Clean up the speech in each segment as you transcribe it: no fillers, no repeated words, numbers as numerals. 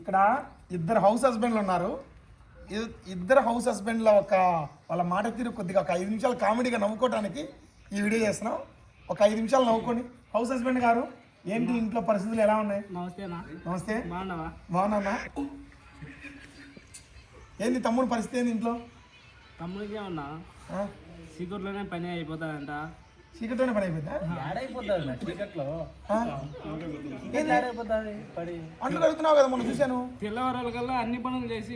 ఇక్కడ ఇద్దరు హౌస్ హస్బెండ్లు ఉన్నారు. ఇద్దరు హౌస్ హస్బెండ్ల వాళ్ళ మాట తీరు కొద్దిగా ఒక 5 నిమిషాలు కామెడీగా నవ్వుకోవడానికి ఈ వీడియో చేస్తున్నాం. ఒక 5 నిమిషాలు నవ్వుకోండి. హౌస్ హస్బెండ్ గారు, ఏంటి ఇంట్లో పరిస్థితులు ఎలా ఉన్నాయి? నమస్తే. బాగున్నా. ఏంది తమ్ముడు పరిస్థితి ఏంది ఇంట్లో? తమ్ముడికే ఉన్నా సీక్రెట్లోనే పని అయిపోతాడంట. చీకట్లోనే పని అయిపోయిందా? అంట్లు కడుగుతున్నావు కదా, మొన్న చూశాను. తెల్లవారాల కల్లా అన్ని పనులు చేసి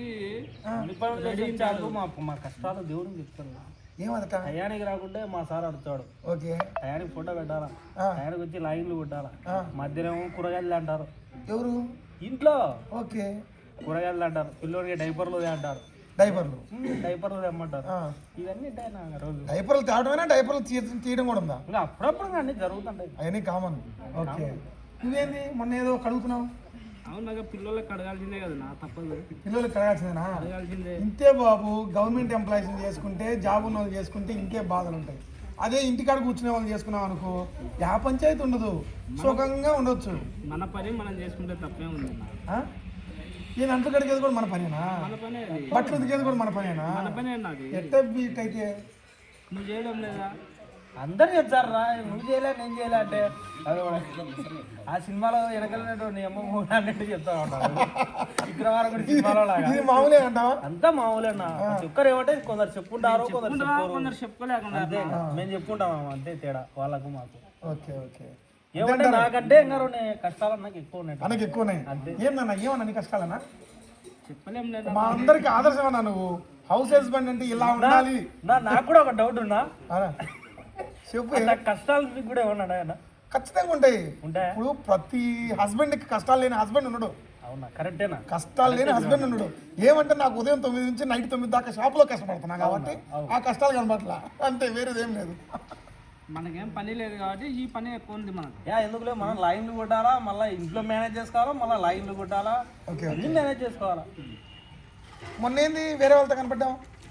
మా కష్టాలు దేవుడిని చెప్తాను. ఏమదట? టయానికి రాకుంటే మా సార్ అడుగుతాడు. ఓకే, టయానికి ఫోటో పెట్టాలా, టయానికి వచ్చి లైన్లు కొట్టాలా. మధ్యాహ్నం కూరగాయలు అంటారు. ఎవరు ఇంట్లో? ఓకే, కూరగాయలు అంటారు. పిల్లోడికి డైపర్లు అంటారు. డైపర్లు తెమ్మంటారు. ఇవన్నీ రోజు డైపర్లు తేవడమేనా, డైపర్లు తీయడం కూడా ఉందా? ఇంకా అప్పుడప్పుడు అన్ని జరుగుతుంటాయి, అవన్నీ కామన్. ఓకే, నువ్వేంది మొన్న ఏదో కడుగుతున్నావు? అవును, నాకు పిల్లలకి కడగాల్సిందే కదా, నా తప్పదు. పిల్లలకి కడగాల్సిందేనా? కడగాల్సిందే. ఇంతే బాబు, గవర్నమెంట్ ఎంప్లాయీస్ చేసుకుంటే, జాబ్ ఉన్న వాళ్ళు చేసుకుంటే ఇంకే బాధలు ఉంటాయి. అదే ఇంటికాడ కూర్చునే వాళ్ళు చేసుకున్నాం అనుకో, యా పంచాయతీ ఉండదు, సుఖంగా ఉండొచ్చు. మన పని మనం చేసుకుంటే తప్పే ఉంది. నేను అంట్లు కడిగేది కూడా మన పనేనా? బట్టలు ఉతికేది కూడా మన పనేనా? ఎట్ట బీట్ అయితే నువ్వు చేయడం లేదా? అందరు చెప్తారా, నువ్వు చేయలే నేను చేయలే అంటే. అది ఆ సినిమాలో వెనకలినట్టు నీ అమ్మ మూడు అన్నట్టు చెప్తా ఉంటారు. విక్రమార్కుడు కూడా సినిమాలో లాగా మామూలే అంటావా? అంతా మామూలేనా? ఒక్కరు ఏమంటే కొందరు చెప్పుకుంటారు, కొందరు చెప్పుకోలేకుండా. అంతే, మేము చెప్పుకుంటాం అంతే తేడా వాళ్ళకు మాకు. ఓకే ఓకే, ఏమంటే నాకంటే ఇంకా కష్టాలు నాకు ఎక్కువ ఉన్నాయి. నాకు ఎక్కువ ఉన్నాయి. ఏందన్నా, ఏమన్నా నీ కష్టాలన్నా? చెప్పలేం లేదా? మా అందరికి ఆదర్శం అన్నా నువ్వు. హౌస్ హస్బెండ్ అంటే ఇలా ఉండాలి. నాకు కూడా ఒక డౌట్ ఉన్నా, చెప్పు. కష్టాలు మీకు కూడా ఏమన్నా ఆయన? ఖచ్చితంగా ఉంటాయి. ఉంటాయి. ఇప్పుడు ప్రతి హస్బెండ్కి కష్టాలు లేని హస్బెండ్ ఉన్నాడు. అవునా? కరెక్టేనా? కష్టాలు లేని హస్బెండ్ ఉన్నాడు. ఏమంటే నాకు ఉదయం 9 నుంచి నైట్ 9 దాకా షాప్లో కష్టపడుతున్నా కాబట్టి ఆ కష్టాలు కనబట్లా, అంతే, వేరేదేం లేదు. మనకేం పని లేదు కాబట్టి ఈ పని ఎక్కువ ఉంది మనకు. ఎందుకులే, మనం లైన్లు కొట్టాలా, మళ్ళీ ఇంట్లో మేనేజ్ చేసుకోవాలా, మళ్ళీ లైన్లు కొట్టాలా, అన్ని మేనేజ్ చేసుకోవాలా. మొన్న ఏంది వేరే వాళ్ళతో కనపడ్డాం?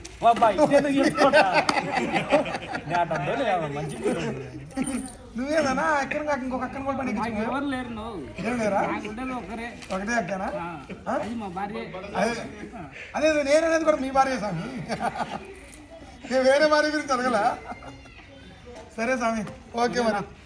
నువ్వేనా ఎక్కడ ఇంకొక అక్కన కూడా పని? ఎవరు లేరు. ఏం లేరా? ఒకరే, ఒకటే అక్కనా? మా భార్య. అదే నేననేది కూడా మీ భార్య స్వామి, వేరే భార్య గురించి అడగలా? సరే స్వామి, ఓకే మరి.